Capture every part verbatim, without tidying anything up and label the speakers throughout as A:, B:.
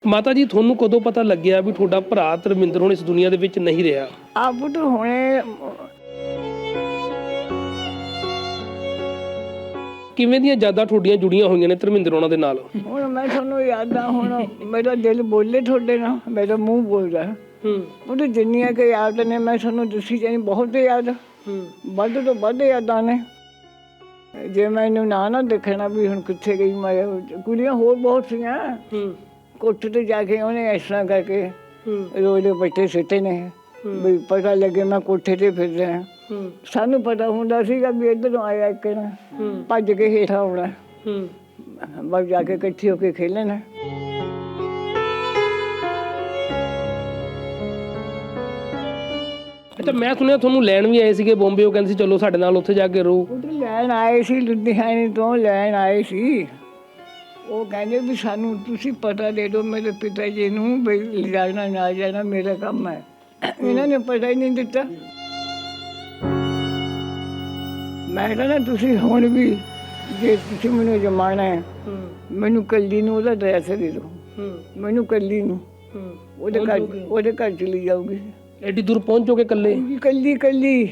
A: ਮਾਤਾ ਜੀ ਤੁਹਾਨੂੰ ਕਦੋਂ ਪਤਾ ਲੱਗਿਆ ਵੀ ਤੁਹਾਡਾ ਭਰਾ ਧਰਮਿੰਦਰ ਹੁਣ ਇਸ ਦੁਨੀਆ ਦੇ ਵਿੱਚ ਨਹੀਂ ਰਿਹਾ?
B: ਆਪ ਤਾਂ ਹੁਣੇ
A: ਕਿਵੇਂ ਦੀਆਂ ਯਾਦਾਂ ਤੁਹਾਡੀਆਂ ਜੁੜੀਆਂ ਹੋਈਆਂ ਨੇ ਧਰਮਿੰਦਰ ਉਹਨਾਂ ਦੇ ਨਾਲ?
B: ਹੁਣ ਮੈਂ ਤੁਹਾਨੂੰ ਯਾਦ ਆ, ਹੁਣ ਮੇਰਾ ਦਿਲ ਬੋਲੇ ਤੁਹਾਡੇ ਨਾਲ, ਮੇਰਾ ਮੂੰਹ ਬੋਲਦਾ।
A: ਹੂੰ
B: ਉਹ ਤਾਂ ਜਿੰਨੀਆਂ ਕਿ ਯਾਦ ਨੇ ਮੈਂ ਤੁਹਾਨੂੰ ਦੱਸੀ ਜਾਣੀ, ਬਹੁਤ ਯਾਦ,
A: ਹੂੰ
B: ਵੱਧ ਤੋਂ ਵੱਧ ਯਾਦਾਂ ਨੇ। ਜੇ ਮੈਨੂੰ ਨਾ ਨਾ ਦੇਖਣਾ ਵੀ ਹੁਣ ਕਿੱਥੇ ਗਈ ਮੈਂ, ਕੁੜੀਆਂ ਹੋਰ ਬਹੁਤ ਸੀਆਂ।
A: ਹੂੰ
B: ਕੋਠੇ ਤੇ ਜਾ ਕੇ ਉਹਨੇ ਇਸ ਤਰ੍ਹਾਂ ਕਰਕੇ
A: ਹੂੰ
B: ਰੋਲੇ ਬੱਟੇ ਸਿੱਟੇ ਨੇ ਵੀ ਪਤਾ ਲੱਗੇ ਮੈਂ ਕੋਠੇ ਤੇ ਫਿਰ ਰਿਹਾ।
A: ਹੂੰ
B: ਸਾਨੂੰ ਪਤਾ ਹੁੰਦਾ ਸੀਗਾ ਵੀ ਇੱਧਰੋਂ ਆਇਆ ਇੱਕ ਨਾ ਭੱਜ ਕੇ ਹੇਠਾਂ ਆਉਣਾ,
A: ਹੂੰ
B: ਬਸ ਜਾ ਕੇ ਇਕੱਠੇ ਹੋ ਕੇ ਖੇਲਣਾ।
A: ਅੱਛਾ, ਮੈਂ ਸੁਣਿਆ ਤੁਹਾਨੂੰ ਲੈਣ ਵੀ ਆਏ ਸੀਗੇ ਬੰਬੇ, ਉਹ ਕਹਿੰਦੇ ਸੀ ਚਲੋ ਸਾਡੇ ਨਾਲ ਉੱਥੇ ਜਾ ਕੇ ਰਹੋ।
B: ਉਹ ਤਾਂ ਲੈਣ ਆਏ ਸੀ, ਲੁਧਿਆਣੇ ਤੋਂ ਲੈਣ ਆਏ ਸੀ। ਉਹ ਕਹਿੰਦੇ ਵੀ ਸਾਨੂੰ ਤੁਸੀਂ ਪਤਾ ਦੇ ਦਿਓ ਮੇਰੇ ਪਿਤਾ ਜੀ ਨੂੰ ਵੀ ਲਿਜਾਣਾ ਨਾ ਜਾਣਾ ਮੇਰਾ ਕੰਮ ਹੈ। ਇਹਨਾਂ ਨੇ ਪਤਾ ਹੀ ਨਹੀਂ ਦਿੱਤਾ। ਮੈਂ ਕਹਿੰਦਾ ਤੁਸੀਂ ਹੁਣ ਵੀ ਜੇ ਤੁਸੀਂ ਮੈਨੂੰ ਜਮਾਣਾ ਹੈ, ਮੈਨੂੰ ਕੱਲੀ ਨੂੰ ਉਹਦਾ ਐਡਰੈਸ ਦੇ ਦਿਓ, ਮੈਨੂੰ ਕੱਲੀ ਨੂੰ ਉਹਦੇ ਘਰ ਉਹਦੇ ਘਰ ਚਲੀ ਜਾਊਗੀ।
A: ਐਡੀ ਦੂਰ ਪਹੁੰਚੋਗੇ ਇਕੱਲੇ?
B: ਕੱਲੀ ਕੱਲੀ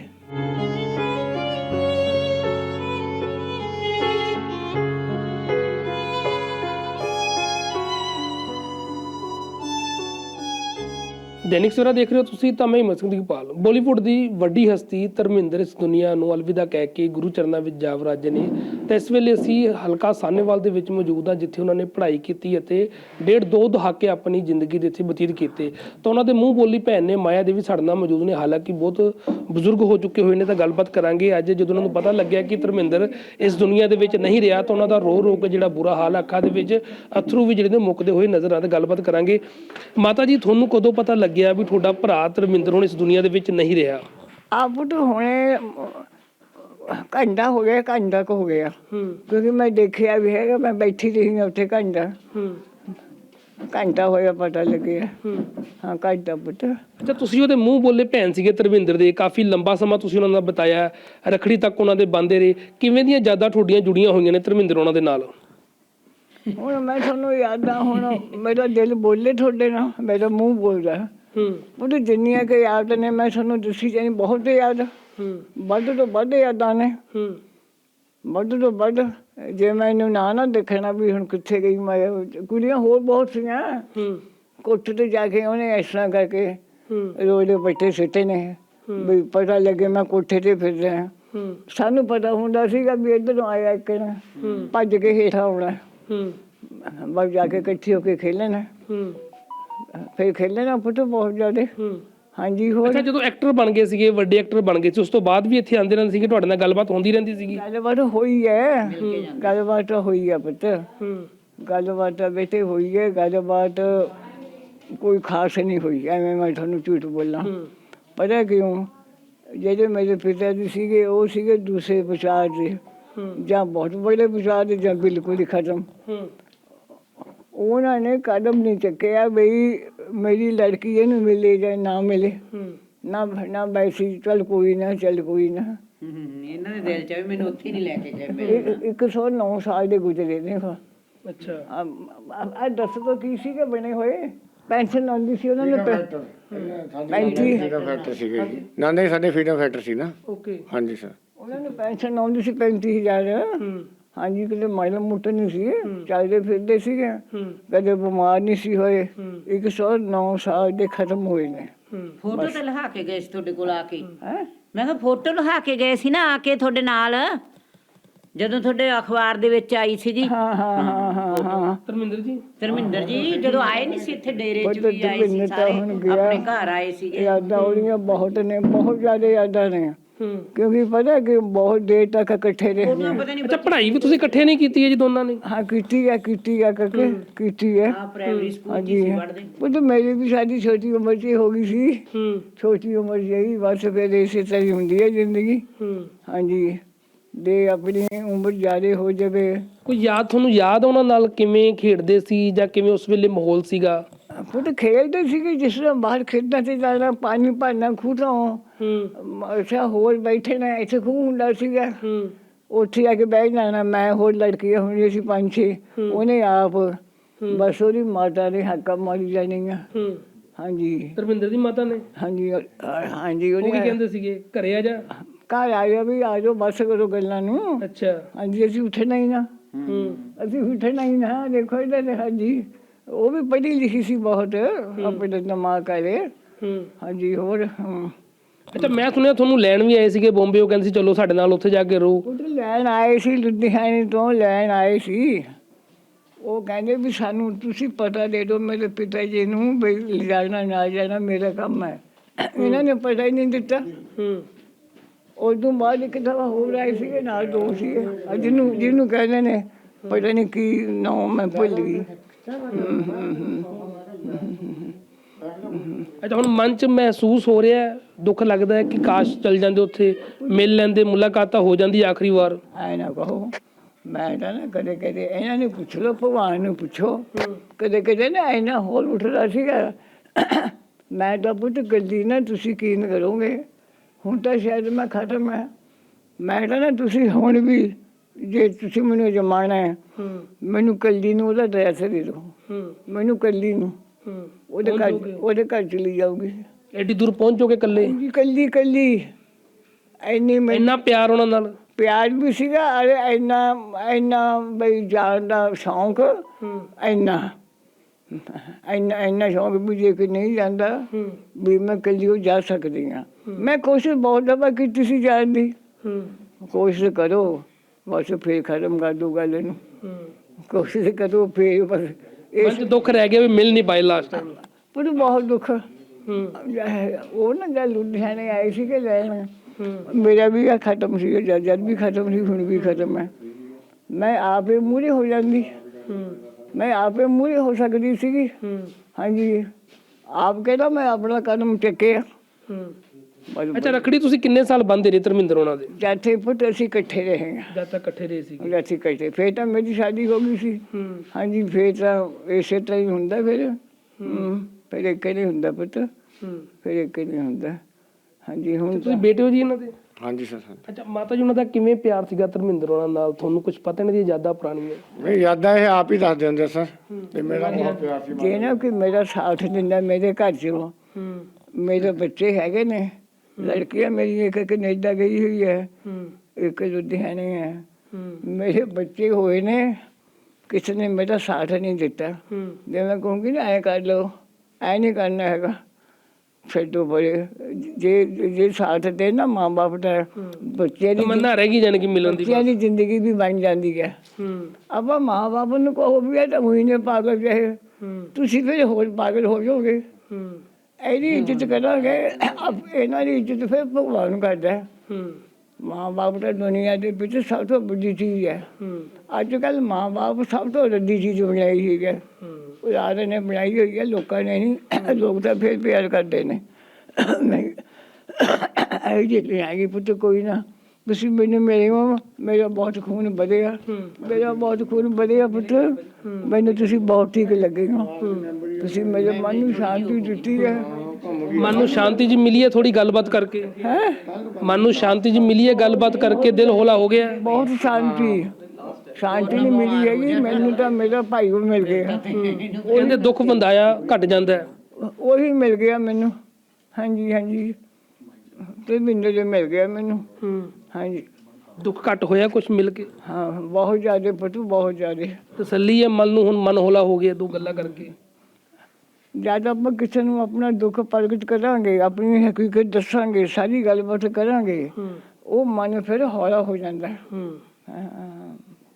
A: ਦੈਨਿਕ ਸਵੇਰਾ ਦੇਖ ਰਹੇ ਹੋ ਤੁਸੀਂ, ਤਾਂ ਮੈਂ ਹਿੰਮਤ ਸਿੰਘ ਦੀਪਾਲ। ਬਾਲੀਵੁੱਡ ਦੀ ਵੱਡੀ ਹਸਤੀ ਧਰਮਿੰਦਰ ਇਸ ਦੁਨੀਆ ਨੂੰ ਅਲਵਿਦਾ ਕਹਿ ਕੇ ਗੁਰੂ ਚਰਨਾਂ ਵਿੱਚ ਜਾ ਵਰਾਜੇ ਨੇ। ਤਾਂ ਇਸ ਵੇਲੇ ਅਸੀਂ ਹਲਕਾ ਸਾਹਨੇਵਾਲ ਦੇ ਵਿੱਚ ਮੌਜੂਦ ਹਾਂ, ਜਿੱਥੇ ਉਹਨਾਂ ਨੇ ਪੜ੍ਹਾਈ ਕੀਤੀ ਅਤੇ ਡੇਢ ਦੋ ਦਹਾਕੇ ਆਪਣੀ ਜ਼ਿੰਦਗੀ ਦੇ ਇੱਥੇ ਬਤੀਤ ਕੀਤੇ। ਤਾਂ ਉਹਨਾਂ ਦੇ ਮੂੰਹ ਬੋਲੀ ਭੈਣ ਨੇ ਮਾਇਆ ਦੇਵੀ ਸਾਡੇ ਨਾਲ ਮੌਜੂਦ ਨੇ। ਹਾਲਾਂਕਿ ਬਹੁਤ ਬਜ਼ੁਰਗ ਹੋ ਚੁੱਕੇ ਹੋਏ ਨੇ, ਤਾਂ ਗੱਲਬਾਤ ਕਰਾਂਗੇ। ਅੱਜ ਜਦੋਂ ਉਹਨਾਂ ਨੂੰ ਪਤਾ ਲੱਗਿਆ ਕਿ ਧਰਮਿੰਦਰ ਇਸ ਦੁਨੀਆ ਦੇ ਵਿੱਚ ਨਹੀਂ ਰਿਹਾ, ਤਾਂ ਉਹਨਾਂ ਦਾ ਰੋ ਰੋ ਕੇ ਜਿਹੜਾ ਬੁਰਾ ਹਾਲ, ਅੱਖਾਂ ਦੇ ਵਿੱਚ ਅਥਰੂ ਵੀ ਜਿਹੜੇ ਨੇ ਮੁੱਕਦੇ ਹੋਏ ਨਜ਼ਰ ਆਉਂਦੇ। ਗੱਲਬਾਤ ਕਰਾਂਗੇ। ਮਾਤਾ ਜੀ, ਤੁਹਾਨੂੰ ਕਦੋਂ ਪਤਾ ਲੱਗਿਆ ਵੀ ਤੁਹਾਡਾ ਭਰਾ ਧਰਮਿੰਦਰ ਹੁਣ ਇਸ ਦੁਨੀਆ ਦੇ ਵਿੱਚ ਨਹੀਂ ਰਿਹਾ?
B: ਆਪ ਤਾਂ ਹੁਣੇ ਘੰਟਾ ਹੋ ਗਿਆ, ਘੰਟਾ ਕੁ ਹੋ ਗਿਆ, ਕਿਉਂਕਿ ਮੈਂ ਦੇਖਿਆ ਵੀ ਹੈਗਾ, ਮੈਂ ਬੈਠੀ ਰਹੀ ਹਾਂ ਉੱਥੇ ਘੰਟਾ ਘੰਟਾ ਹੋਇਆ ਪਤਾ ਲੱਗਿਆ। ਹਾਂ, ਘੰਟਾ ਪੁੱਤ।
A: ਅੱਛਾ, ਤੁਸੀਂ ਉਹਦੇ ਮੂੰਹ ਬੋਲੇ ਭੈਣ ਸੀਗੇ ਧਰਮਿੰਦਰ ਦੇ, ਕਾਫੀ ਲੰਬਾ ਸਮਾਂ ਤੁਸੀਂ ਉਹਨਾਂ ਨਾਲ ਬਤਾਇਆ, ਰੱਖੜੀ ਤੱਕ ਉਹਨਾਂ ਦੇ ਬੰਦੇ ਰਹੇ। ਕਿਵੇਂ ਦੀਆਂ ਯਾਦਾਂ ਤੁਹਾਡੀਆਂ ਜੁੜੀਆਂ ਹੋਈਆਂ ਨੇ ਧਰਮਿੰਦਰ ਉਹਨਾਂ ਦੇ ਨਾਲ?
B: ਹੁਣ ਮੈਂ ਤੁਹਾਨੂੰ ਯਾਦ ਆ, ਹੁਣ ਮੇਰਾ ਦਿਲ ਬੋਲੇ ਤੁਹਾਡੇ ਨਾਲ, ਮੇਰਾ ਮੂੰਹ ਬੋਲਦਾ। ਉਹ ਤਾਂ ਜਿੰਨੀਆਂ ਕਿ ਯਾਦ ਨੇ ਮੈਂ ਤੁਹਾਨੂੰ ਦੱਸੀ ਜਾਣੀ, ਬਹੁਤ ਯਾਦ, ਵੱਧ ਤੋਂ ਵੱਧ ਯਾਦਾਂ ਨੇ, ਵੱਧ ਤੋਂ ਵੱਧ। ਜੇ ਮੈਨੂੰ ਨਾ ਨਾ ਦੇਖਣਾ ਵੀ ਹੁਣ ਕਿੱਥੇ ਗਈ ਮੈਂ, ਕੁੜੀਆਂ ਹੋਰ ਬਹੁਤ ਸੀਆਂ। ਕੋਠੇ ਤੇ ਜਾ ਕੇ ਉਹਨੇ ਇਸ ਤਰ੍ਹਾਂ ਕਰਕੇ ਰੋਲੇ ਬੱਟੇ ਸਿੱਟੇ ਨੇ ਵੀ ਪਤਾ ਲੱਗੇ ਮੈਂ ਕੋਠੇ ਤੇ ਫਿਰ ਰਿਹਾ। ਸਾਨੂੰ ਪਤਾ ਹੁੰਦਾ ਸੀਗਾ ਵੀ ਇੱਧਰੋਂ ਆਇਆ ਇੱਕ ਨਾ ਭੱਜ ਕੇ ਹੇਠਾਂ ਆਉਣਾ, ਬਸ ਜਾ ਕੇ ਇਕੱਠੇ ਹੋ ਕੇ ਖੇਲਣਾ। ਫਿਰ ਖੇਲਣਾ ਪੁੱਤ ਬਹੁਤ ਜ਼ਿਆਦਾ। ਹਾਂਜੀ। ਹੋਰ
A: ਅੱਛਾ, ਜਦੋਂ ਐਕਟਰ ਬਣ ਗਏ ਸੀਗੇ, ਵੱਡੇ ਐਕਟਰ ਬਣ ਗਏ ਸੀ, ਉਸ ਤੋਂ ਬਾਅਦ ਵੀ ਇੱਥੇ ਆਉਂਦੇ ਰਹਿੰਦੇ ਸੀਗੇ, ਤੁਹਾਡੇ ਨਾਲ ਗੱਲਬਾਤ ਹੁੰਦੀ ਰਹਿੰਦੀ ਸੀਗੀ?
B: ਗੱਲਬਾਤ ਹੋਈ ਹੈ, ਗੱਲਬਾਤ ਹੋਈ ਹੈ ਪੁੱਤ, ਗੱਲਬਾਤ ਬੇਟੇ ਹੋਈ ਹੈ। ਗੱਲਬਾਤ ਕੋਈ ਖਾਸ ਨਹੀਂ ਹੋਈ, ਐਵੇਂ ਮੈਂ ਤੁਹਾਨੂੰ ਝੂਠ ਬੋਲਾਂ। ਪਤਾ ਕਿਉਂ? ਜਿਹੜੇ ਮੇਰੇ ਪਿਤਾ ਜੀ ਸੀਗੇ ਉਹ ਸੀਗੇ ਦੂਸਰੇ ਵਿਚਾਰ ਦੇ, ਜਾਂ ਬਹੁਤ ਬੜੇ ਵਿਚਾਰ ਦੇ, ਜਾਂ ਬਿਲਕੁਲ ਹੀ ਖਤਮ। ਉਹਨਾਂ ਨੇ ਕਦਮ ਨਹੀਂ ਚੱਕਿਆ ਬਈ ਮੇਰੀ ਲੜਕੀ ਇਹਨੂੰ ਮਿਲੇ ਜਾਂ ਨਾ ਮਿਲੇ, ਨਾ ਨਾ ਵੈਸੀ ਚੱਲ ਕੋਈ ਨਾ, ਚੱਲ ਕੋਈ ਨਾ।
C: ਇਹਨਾਂ ਦੇ ਦਿਲ ਚ ਵੀ ਮੈਨੂੰ ਉੱਥੇ ਨਹੀਂ ਲੈ ਕੇ ਗਏ।
B: ਇੱਕ ਸੌ ਨੌ ਸਾਲ ਦੇ ਗੁਜ਼ਰੇ ਨੇ।
A: ਅੱਛਾ,
B: ਆ ਦੱਸ ਤੋਂ ਕੀ ਸੀਗੇ ਬਣੇ ਹੋਏ? ਪੈਨਸ਼ਨ ਆਉਂਦੀ ਸੀ ਉਹਨਾਂ ਨੂੰ ਪੈਂਤੀ
D: ਫੈਕਟਰ ਸੀਗੇ ਜੀ ਨਾ? ਨਹੀਂ, ਸਾਡੇ ਫੀਡਮ ਫੈਕਟਰ ਸੀ ਨਾ।
A: ਓਕੇ।
D: ਹਾਂਜੀ ਸਰ,
B: ਉਹਨਾਂ ਨੂੰ ਪੈਨਸ਼ਨ ਆਉਂਦੀ ਸੀ ਪੈਂਤੀ ਹਜ਼ਾਰ। ਹਾਂਜੀ, ਕਿਤੇ ਮਾੜਾ ਮੋਟਾ ਨਹੀਂ ਸੀ, ਚੱਲਦੇ ਫਿਰਦੇ ਸੀਗੇ, ਕਦੇ ਬਿਮਾਰ ਨਹੀਂ ਸੀ ਹੋਏ। ਇੱਕ ਸੌ ਨੌ ਸਾਲ ਦੇ ਖਤਮ ਹੋਏ ਨੇ।
C: ਫੋਟੋ ਤੇ ਲਹਾ ਕੇ ਗਏ ਸੀ ਤੁਹਾਡੇ ਕੋਲ ਆ ਕੇ?
B: ਹੈ,
C: ਮੈਂ ਕਿਹਾ ਫੋਟੋ ਲਹਾ ਕੇ ਗਏ ਸੀ ਨਾ ਆ ਕੇ ਤੁਹਾਡੇ ਨਾਲ, ਜਦੋਂ ਤੁਹਾਡੇ ਅਖਬਾਰ ਦੇ ਵਿੱਚ ਆਈ ਸੀ ਜੀ।
B: ਹਾਂ ਹਾਂ ਹਾਂ ਹਾਂ ਹਾਂ
A: ਧਰਮਿੰਦਰ ਜੀ,
C: ਧਰਮਿੰਦਰ ਜੀ ਜਦੋਂ ਆਏ ਨਹੀਂ ਸੀ ਇੱਥੇ ਡੇਰੇ ਚ ਵੀ ਆਏ ਸੀ, ਸਾਰੇ ਆਪਣੇ ਘਰ ਆਏ ਸੀਗੇ।
B: ਯਾਦਾਂ ਉਹਦੀਆਂ ਬਹੁਤ ਨੇ, ਬਹੁਤ ਜ਼ਿਆਦਾ ਯਾਦਾਂ ਨੇ, ਕਿਉਂਕਿ ਪਤਾ ਕਿ ਬਹੁਤ ਦੇਰ ਤੱਕ ਇਕੱਠੇ ਰਹੇ ਨੇ।
A: ਅੱਛਾ, ਪੜ੍ਹਾਈ ਵੀ ਤੁਸੀਂ ਇਕੱਠੇ ਨਹੀਂ ਕੀਤੀ ਹੈ ਜੀ ਦੋਨਾਂ ਨੇ?
B: ਹਾਂ, ਕੀਤੀ ਹੈ, ਕੀਤੀ ਹੈ ਕਰਕੇ ਕੀਤੀ ਹੈ।
C: ਪ੍ਰਾਇਮਰੀ ਸਕੂਲ ਚ ਸੀ ਪੜ੍ਹਦੇ।
B: ਉਹ ਤਾਂ ਮੇਰੀ ਵੀ ਸਾਡੀ ਛੋਟੀ ਉਮਰ 'ਚ ਹੋ ਗਈ ਸੀ। ਛੋਟੀ ਉਮਰ 'ਚ ਹੀ ਬਸ ਫਿਰ ਇਸੇ ਤਰ੍ਹਾਂ ਹੀ ਹੁੰਦੀ ਹੈ ਜ਼ਿੰਦਗੀ। ਹਾਂਜੀ, ਦੇ ਆਪਣੀ ਉਮਰ ਜ਼ਿਆਦਾ ਹੋ ਜਾਵੇ।
A: ਕੋਈ ਯਾਦ ਤੁਹਾਨੂੰ ਯਾਦ ਉਹਨਾਂ ਨਾਲ ਕਿਵੇਂ ਖੇਡਦੇ ਸੀ, ਜਾਂ ਕਿਵੇਂ ਉਸ ਵੇਲੇ ਮਾਹੌਲ ਸੀਗਾ?
B: ਪੁੱਤ ਖੇਡਦੇ ਸੀਗੇ ਜਿਸ ਤਰ੍ਹਾਂ ਬਾਹਰ ਖੇਡਣਾ ਤੇ ਜਾਣਾ, ਪਾਣੀ ਭਰਨਾ ਖੂਹ ਤੋਂ। ਅੱਛਾ, ਹੋਰ ਬੈਠੇ ਨਾ, ਇੱਥੇ ਖੂਹ ਹੁੰਦਾ ਸੀਗਾ, ਉੱਥੇ ਆ ਕੇ ਬਹਿ ਜਾਣਾ। ਮੈਂ ਹੋਰ ਲੜਕੀਆਂ ਹੁੰਦੀਆਂ ਸੀ ਪੰਜ ਛੇ, ਉਹਨੇ ਆਪ ਬਸ ਉਹਦੀ ਮਾਤਾ ਨੇ ਹੱਕਾ ਮਾਰੀ ਜਾਣੀਆਂ।
A: ਹੂੰ
B: ਹਾਂਜੀ
A: ਧਰਮਿੰਦਰ ਦੀ ਮਾਤਾ ਨੇ
B: ਹਾਂਜੀ ਅ- ਹਾਂਜੀ
A: ਉਹ ਕੀ
B: ਉਹਨੇ
A: ਕਹਿੰਦੇ ਸੀਗੇ ਘਰੇ ਆ ਜਾ?
B: ਘਰ ਆ ਗਿਆ ਵੀ ਆ ਜਾਓ ਬਸ ਕਰੋ ਗੱਲਾਂ ਨੂੰ।
A: ਅੱਛਾ।
B: ਹਾਂਜੀ ਅਸੀਂ ਉੱਠਣਾ ਹੀ ਨਾ,
A: ਹੂੰ
B: ਅਸੀਂ ਉੱਠਣਾ ਹੀ ਨਾ। ਦੇਖੋ ਇਹਦਾ ਤੇ ਹਾਂਜੀ ਉਹ ਵੀ ਪੜ੍ਹੀ ਲਿਖੀ ਸੀ ਬਹੁਤ, ਆਪਣੇ ਦਿਮਾਗ ਕਰੇ।
A: ਹੂੰ
B: ਹਾਂਜੀ ਹੋਰ ਹਮ।
A: ਅੱਛਾ, ਮੈਂ ਸੁਣਿਆ ਤੁਹਾਨੂੰ ਲੈਣ ਵੀ ਆਏ ਸੀਗੇ ਬੰਬੇ, ਉਹ ਕਹਿੰਦੇ ਸੀ ਚਲੋ ਸਾਡੇ ਨਾਲ ਉੱਥੇ ਜਾ ਕੇ ਰਹੋ।
B: ਉਹ ਲੈਣ ਆਏ ਸੀ, ਲੁਧਿਆਣੇ ਤੋਂ ਲੈਣ ਆਏ ਸੀ। ਉਹ ਕਹਿੰਦੇ ਵੀ ਸਾਨੂੰ ਤੁਸੀਂ ਪਤਾ ਦੇ ਦਿਓ ਮੇਰੇ ਪਿਤਾ ਜੀ ਨੂੰ ਵੀ ਲਿਜਾਣਾ ਨਾ ਜਾਣਾ ਮੇਰਾ ਕੰਮ ਹੈ। ਇਹਨਾਂ ਨੇ ਪਤਾ ਹੀ ਨਹੀਂ ਦਿੱਤਾ।
A: ਹੂੰ
B: ਉਸ ਤੋਂ ਬਾਅਦ ਇੱਕ ਦਫਾ ਹੋਰ ਆਏ ਸੀਗੇ ਨਾਲ ਦੋ ਸੀਗੇ, ਜਿਹਨੂੰ ਜਿਹਨੂੰ ਕਹਿੰਦੇ ਨੇ ਪਤਾ ਨਹੀਂ ਕੀ ਨਾਮ ਮੈਂ ਭੁੱਲ ਗਈ। ਹਮ, ਹਮ, ਹਮ।
A: ਅੱਛਾ, ਹੁਣ ਮਨ 'ਚ ਮਹਿਸੂਸ ਹੋ ਰਿਹਾ ਹੈ, ਦੁੱਖ ਲੱਗਦਾ ਹੈ ਕਿ ਕਾਸ਼ ਚਲ ਜਾਂਦੇ ਉੱਥੇ, ਮਿਲ ਲੈਂਦੇ, ਮੁਲਾਕਾਤ ਤਾਂ ਹੋ ਜਾਂਦੀ ਆਖਰੀ ਵਾਰ।
B: ਐ ਨਾ ਕਹੋ, ਮੈਂ ਤਾਂ ਨਾ ਕਦੇ ਕਦੇ ਇਹਨਾਂ ਨੂੰ ਪੁੱਛ ਲਓ, ਭਗਵਾਨ ਨੂੰ ਪੁੱਛੋ। ਕਦੇ ਕਦੇ ਨਾ ਇੰਨਾ ਹੋਰ ਉੱਠਦਾ ਸੀਗਾ। ਮੈਂ ਤਾਂ ਪੁੱਤ ਗੱਡੀ ਨਾ ਤੁਸੀਂ ਕੀਨ ਕਰੋਗੇ, ਹੁਣ ਤਾਂ ਸ਼ਾਇਦ ਮੈਂ ਖਤਮ ਹੈ। ਮੈਂ ਤਾਂ ਨਾ ਤੁਸੀਂ ਹੁਣ ਵੀ ਜੇ ਤੁਸੀਂ ਮੈਨੂੰ ਜਮਾਣਾ ਹੈ, ਮੈਨੂੰ ਕੱਲੀ ਨੂੰ ਉਹਦਾ ਐਡਰੈਸ ਦੇ ਦਿਓ। ਮੈਨੂੰ ਕੱਲੀ ਨੂੰ ਉਹਦੇ ਘਰ ਉਹਦੇ ਘਰ ਚਲੀ ਜਾਊਗੀ।
A: ਐਡੀ ਦੂਰ ਪਹੁੰਚੋਗੇ ਇਕੱਲੇ?
B: ਜੀ ਕੱਲੀ ਕੱਲੀ ਇੰਨੀ ਮੈਨੂੰ
A: ਇੰਨਾ ਪਿਆਰ ਉਹਨਾਂ ਨਾਲ?
B: ਪਿਆਰ ਵੀ ਸੀਗਾ, ਅਰੇ ਇੰਨਾ ਇੰਨਾ ਬਈ ਜਾਣ ਦਾ ਸ਼ੌਂਕ, ਇੰਨਾ ਇੰਨਾ ਇੰਨਾ ਸ਼ੌਂਕ ਵੀ ਜੇ ਕਿ ਨਹੀਂ ਜਾਂਦਾ ਵੀ ਮੈਂ ਕੱਲੀ ਉਹ ਜਾ ਸਕਦੀ ਹਾਂ। ਮੈਂ ਕੋਸ਼ਿਸ਼ ਬਹੁਤ ਦਫਾ ਕੀਤੀ ਸੀ ਜਾਣ ਦੀ। ਕੋਸ਼ਿਸ਼ ਕਰੋ ਬਸ ਫੇਰ ਖਤਮ ਕਰ ਦੋ ਗੱਲ ਇਹਨੂੰ। ਕੋਸ਼ਿਸ਼ ਕਰੋ ਫੇਰ ਬਸ
A: ਮਨ 'ਚ ਦੁੱਖ ਰਹਿ ਗਿਆ ਵੀ ਮਿਲ ਨਹੀਂ ਪਾਏ ਲਾਸਟ ਟਾਈਮ?
B: ਪਰ ਬਹੁਤ ਦੁੱਖ। ਉਹ ਨਾ ਜਦ ਲੁਧਿਆਣੇ ਆਏ ਸੀਗੇ ਲੈਣ, ਮੇਰਾ ਵੀ ਆ ਖਤਮ ਸੀ, ਜਦ ਜਦ ਵੀ ਖਤਮ ਸੀ, ਹੁਣ ਵੀ ਖਤਮ ਹੈ। ਮੈਂ ਆਪੇ ਮੂਹਰੇ ਹੋ ਜਾਂਦੀ, ਮੈਂ ਆਪੇ ਮੂਹਰੇ ਹੋ ਸਕਦੀ ਸੀਗੀ। ਹਾਂਜੀ ਆਪ ਕਹਿੰਦਾ ਮੈਂ ਆਪਣਾ ਕਦਮ ਚੱਕਿਆ।
A: ਅੱਛਾ, ਰੱਖੜੀ ਤੁਸੀਂ ਕਿੰਨੇ ਸਾਲ ਬੰਨ੍ਹਦੇ ਰਹੇ ਧਰਮਿੰਦਰ ਉਹਨਾਂ ਦੇ?
B: ਜਦ ਪੁੱਤ ਅਸੀਂ ਇਕੱਠੇ ਰਹੇ ਹਾਂ।
A: ਜਦ ਤੱਕ ਇਕੱਠੇ ਰਹੇ ਸੀਗੇ?
B: ਜਦ ਅਸੀਂ ਇਕੱਠੇ, ਫੇਰ ਤਾਂ ਮੇਰੀ ਸ਼ਾਦੀ ਹੋ ਗਈ ਸੀ। ਹਾਂਜੀ ਫੇਰ ਤਾਂ ਇਸੇ ਤਰ੍ਹਾਂ ਹੀ ਹੁੰਦਾ ਫਿਰ। ਹਮ, ਫਿਰ ਇੱਕ ਨਹੀਂ ਹੁੰਦਾ ਪੁੱਤ, ਫਿਰ ਇੱਕ ਨਹੀਂ ਹੁੰਦਾ। ਹਾਂਜੀ ਹੁਣ
A: ਤੁਸੀਂ ਬੇਟੇ ਹੋ ਜੀ ਇਹਨਾਂ ਦੇ?
D: ਹਾਂਜੀ ਸਰ।
A: ਅੱਛਾ, ਮਾਤਾ ਜੀ ਉਹਨਾਂ ਦਾ ਕਿਵੇਂ ਪਿਆਰ ਸੀਗਾ ਧਰਮਿੰਦਰ ਉਹਨਾਂ ਨਾਲ? ਤੁਹਾਨੂੰ ਕੁਝ ਪਤਾ ਨਹੀਂ, ਦੀ ਯਾਦਾਂ ਪੁਰਾਣੀਆਂ?
D: ਨਹੀਂ ਯਾਦਾਂ ਇਹ ਆਪ ਹੀ ਦੱਸਦੇ ਹੁੰਦੇ ਸਰ, ਤੇ ਮੇਰਾ ਬਹੁਤ ਪਿਆਰ ਸੀ।
B: ਜੇ ਨਾ ਕਿ ਮੇਰਾ ਸਾਥ ਦਿੰਦਾ ਮੇਰੇ ਘਰ 'ਚੋਂ, ਮੇਰੇ ਬੱਚੇ ਹੈਗੇ ਨੇ, ਲੜਕੀਆਂ ਮੇਰੀ ਇੱਕ ਕਨੇਡਾ ਗਈ ਹੋਈ ਹੈ, ਇੱਕ ਲੁਧਿਆਣੇ ਹੈ। ਮੇਰੇ ਬੱਚੇ ਹੋਏ ਨੇ, ਕਿਸੇ ਨੇ ਮੇਰਾ ਸਾਥ ਨਹੀਂ ਦਿੱਤਾ। ਜੇ ਮੈਂ ਕਹੂੰਗੀ ਨਾ ਐਂ ਕਰ ਲਓ, ਐ ਨਹੀਂ ਕਰਨਾ ਹੈਗਾ, ਛੱਡੋ ਬੜੇ। ਜੇ ਜੇ ਸਾਥ ਦੇ ਨਾ ਮਾਂ ਬਾਪ ਦਾ, ਬੱਚਿਆਂ ਦੀ
A: ਤਮੰਨਾ ਰਹਿ ਗਈ ਜਾਣੀ ਕਿ ਮਿਲਣ ਦੀ?
B: ਬੱਚਿਆਂ ਦੀ ਜ਼ਿੰਦਗੀ ਵੀ ਬਣ ਜਾਂਦੀ ਹੈ। ਆਪਾਂ ਮਾਂ ਬਾਪ ਨੂੰ ਕਹੋ ਵੀ ਇਹ ਤਾਂ ਉਹੀ ਨੇ ਪਾਗਲ ਰਹੇ, ਤੁਸੀਂ ਫਿਰ ਹੋਰ ਪਾਗਲ ਹੋ ਜਾਓਗੇ। ਇਹਦੀ ਇੱਜ਼ਤ ਕਰਾਂਗੇ, ਇਹਨਾਂ ਦੀ ਇੱਜ਼ਤ ਫਿਰ ਭਗਵਾਨ ਕਰਦਾ ਹੈ। ਮਾਂ ਬਾਪ ਤਾਂ ਦੁਨੀਆ ਦੇ ਵਿੱਚ ਸਭ ਤੋਂ ਵੱਡੀ ਚੀਜ਼ ਹੈ। ਅੱਜ ਕੱਲ੍ਹ ਮਾਂ ਬਾਪ ਸਭ ਤੋਂ ਵੱਡੀ ਚੀਜ਼ ਬਣਾਈ ਹੋਈ ਹੈ, ਖੁਦਾ ਨੇ ਬਣਾਈ ਹੋਈ ਹੈ, ਲੋਕਾਂ ਨੇ ਨਹੀਂ। ਲੋਕ ਤਾਂ ਫਿਰ ਪਿਆਰ ਕਰਦੇ ਨੇ। ਨਹੀਂ ਇਹ ਜਿਹੀ ਹੈਗੀ ਪੁੱਤ, ਕੋਈ ਨਾ ਤੁਸੀਂ ਮੈਨੂੰ ਮੇਰੇ ਮਾਂ, ਮੇਰਾ ਬਹੁਤ ਖੂਨ ਵਧਿਆ, ਮੇਰਾ ਬਹੁਤ ਖੂਨ ਵਧਿਆ ਪੁੱਤ। ਮੈਨੂੰ ਤੁਸੀਂ ਬਹੁਤ ਠੀਕ ਲੱਗੇ ਹੋ, ਤੁਸੀਂ ਮੇਰੇ ਮਨ ਨੂੰ ਸ਼ਾਂਤੀ ਦਿੱਤੀ ਹੈ।
A: ਮਨ ਨੂੰ ਸ਼ਾਂਤੀ ਜੀ ਮਿਲੀ ਹੈ ਥੋੜੀ ਗੱਲਬਾਤ ਕਰਕੇ?
B: ਹੈ
A: ਮਨ ਨੂੰ ਸ਼ਾਂਤੀ ਜੀ ਮਿਲੀ ਹੈ ਗੱਲਬਾਤ ਕਰਕੇ? ਦਿਲ ਹੌਲਾ ਹੋ ਗਿਆ?
B: ਬਹੁਤ ਸ਼ਾਂਤੀ ਸ਼ਾਂਤੀ ਨਹੀਂ ਮਿਲੀ ਹੈਗੀ ਮੈਨੂੰ ਤਾਂ, ਮੇਰਾ ਭਾਈ ਉਹ ਮਿਲ ਗਿਆ।
A: ਕਹਿੰਦੇ ਦੁੱਖ ਵੰਦਾਇਆ ਘਟ ਜਾਂਦਾ ਹੈ।
B: ਉਹੀ ਮਿਲ ਗਿਆ ਮੈਨੂੰ। ਹਾਂਜੀ ਹਾਂਜੀ ਤੇ ਮੈਨੂੰ ਜੋ ਮਿਲ ਗਿਆ ਮੈਨੂੰ। ਹਾਂਜੀ
A: ਦੁੱਖ ਘਟ ਹੋਇਆ ਕੁਛ ਮਿਲ ਕੇ?
B: ਹਾਂ ਬਹੁਤ ਜ਼ਿਆਦਾ ਪਟੂ, ਬਹੁਤ ਜ਼ਿਆਦਾ
A: ਤਸੱਲੀ ਹੈ ਮਨ ਨੂੰ, ਹੁਣ ਮਨ ਹੌਲਾ ਹੋ ਗਿਆ ਦੋ ਗੱਲਾਂ ਕਰਕੇ?
B: ਜਦ ਆਪਾਂ ਕਿਸੇ ਨੂੰ ਆਪਣਾ ਦੁੱਖ ਪ੍ਰਗਟ ਕਰਾਂਗੇ, ਆਪਣੀ ਹਕੀਕਤ ਦੱਸਾਂਗੇ, ਸਾਰੀ ਗੱਲਬਾਤ ਕਰਾਂਗੇ, ਉਹ ਮਨ ਫਿਰ ਹੌਲਾ ਹੋ ਜਾਂਦਾ। ਹਾਂ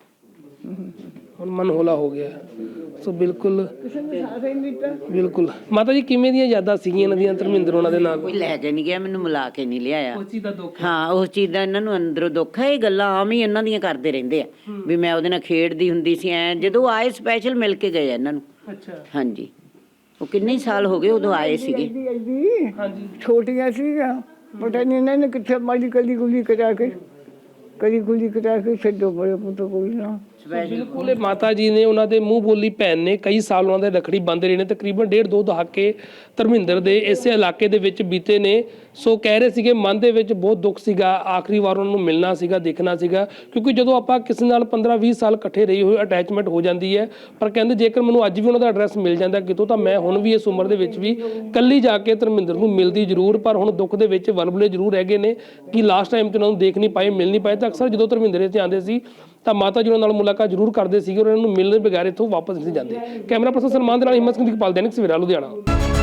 A: ਹੁਣ ਮਨ ਹੌਲਾ ਹੋ ਗਿਆ। ਸੋ ਬਿਲਕੁਲ
B: ਕਿਸੇ ਨੇ ਸਾਥ ਹੀ ਨਹੀਂ ਦਿੱਤਾ।
A: ਬਿਲਕੁਲ। ਮਾਤਾ ਜੀ ਕਿਵੇਂ ਦੀਆਂ ਯਾਦਾਂ ਸੀਗੀਆਂ ਇਹਨਾਂ ਦੀਆਂ ਧਰਮਿੰਦਰ ਉਹਨਾਂ ਦੇ ਨਾਲ?
C: ਕੋਈ ਲੈ ਕੇ ਨਹੀਂ ਗਿਆ, ਮੈਨੂੰ ਮਿਲਾ ਕੇ ਨਹੀਂ ਲਿਆਇਆ।
A: ਉਸ ਚੀਜ਼ ਦਾ ਦੁੱਖ?
C: ਹਾਂ ਉਸ ਚੀਜ਼ ਦਾ ਇਹਨਾਂ ਨੂੰ ਅੰਦਰੋਂ ਦੁੱਖ ਹੈ। ਇਹ ਗੱਲਾਂ ਆਮ ਹੀ ਇਹਨਾਂ ਦੀਆਂ ਕਰਦੇ ਰਹਿੰਦੇ ਆ ਵੀ ਮੈਂ ਉਹਦੇ ਨਾਲ ਖੇਡਦੀ ਹੁੰਦੀ ਸੀ ਐ। ਜਦੋਂ ਆਏ ਸਪੈਸ਼ਲ ਮਿਲ ਕੇ ਗਏ ਇਹਨਾਂ ਨੂੰ।
A: ਅੱਛਾ।
C: ਹਾਂਜੀ ਉਹ ਕਿੰਨੇ ਸਾਲ ਹੋ ਗਏ ਉਦੋਂ ਆਏ ਸੀਗੇ।
A: ਹਾਂਜੀ
B: ਛੋਟੀਆਂ ਸੀਗੀਆਂ, ਪਤਾ ਨਹੀਂ ਇਹਨਾਂ ਨੇ ਕਿੱਥੇ ਮਾਰੀ, ਕਲੀ ਗੁਲੀ ਕਰਾ ਕੇ, ਕਲੀ ਗੁਲੀ ਕਰਾ ਕੇ ਛੱਡੋ ਬੜੇ ਪੁੱਤ ਕੋਈ ਨਾ।
A: ਬਿਲਕੁਲ ਇਹ ਮਾਤਾ ਜੀ ਨੇ, ਉਹਨਾਂ ਦੇ ਮੂੰਹ ਬੋਲੀ ਭੈਣ ਨੇ ਕਈ ਸਾਲ ਉਹਨਾਂ ਦੇ ਰੱਖੜੀ ਬੰਨ੍ਹਦੇ ਰਹੇ ਨੇ, ਤਕਰੀਬਨ ਡੇਢ ਦੋ ਦਹਾਕੇ ਧਰਮਿੰਦਰ ਦੇ ਇਸੇ ਇਲਾਕੇ ਦੇ ਵਿੱਚ ਬੀਤੇ ਨੇ। ਸੋ ਕਹਿ ਰਹੇ ਸੀਗੇ ਮਨ ਦੇ ਵਿੱਚ ਬਹੁਤ ਦੁੱਖ ਸੀਗਾ, ਆਖਰੀ ਵਾਰ ਉਹਨਾਂ ਨੂੰ ਮਿਲਣਾ ਸੀਗਾ, ਦੇਖਣਾ ਸੀਗਾ, ਕਿਉਂਕਿ ਜਦੋਂ ਆਪਾਂ ਕਿਸੇ ਨਾਲ ਪੰਦਰਾਂ ਵੀਹ ਸਾਲ ਇਕੱਠੇ ਰਹੀ ਹੋਏ ਅਟੈਚਮੈਂਟ ਹੋ ਜਾਂਦੀ ਹੈ। ਪਰ ਕਹਿੰਦੇ ਜੇਕਰ ਮੈਨੂੰ ਅੱਜ ਵੀ ਉਹਨਾਂ ਦਾ ਐਡਰੈਸ ਮਿਲ ਜਾਂਦਾ ਕਿਤੋਂ ਤਾਂ ਮੈਂ ਹੁਣ ਵੀ ਇਸ ਉਮਰ ਦੇ ਵਿੱਚ ਵੀ ਕੱਲੀ ਜਾ ਕੇ ਧਰਮਿੰਦਰ ਨੂੰ ਮਿਲਦੀ ਜ਼ਰੂਰ, ਪਰ ਹੁਣ ਦੁੱਖ ਦੇ ਵਿੱਚ ਵਲਵਲੇ ਜ਼ਰੂਰ ਹੈਗੇ ਨੇ ਕਿ ਲਾਸਟ ਟਾਈਮ ਤੇ ਉਹਨਾਂ ਨੂੰ ਦੇਖ ਨਹੀਂ ਪਾਏ, ਮਿਲ ਨਹੀਂ ਪਾਏ। ਤਾਂ ਅਕਸਰ ਜਦੋਂ ਧਰਮਿੰਦਰ ਇੱਥੇ ਆਉਂਦੇ ਸੀ ਤਾਂ ਮਾਤਾ ਜੀ ਉਹਨਾਂ ਨਾਲ ਮੁਲਾਕਾਤ ਜ਼ਰੂਰ ਕਰਦੇ ਸੀਗੇ ਔਰ ਇਹਨਾਂ ਨੂੰ ਮਿਲਣ ਬਗੈਰ ਇੱਥੋਂ ਵਾਪਸ ਨਹੀਂ ਜਾਂਦੇ। ਕੈਮਰਾ ਪਰਸਨ ਸਲਮਾਨ ਦੇ ਨਾਲ ਹਿੰਮਤ ਸਿੰਘ ਦੀ ਪਾਲ, ਦੈਨਿਕ ਸਵੇਰਾ, ਲੁਧਿਆਣਾ।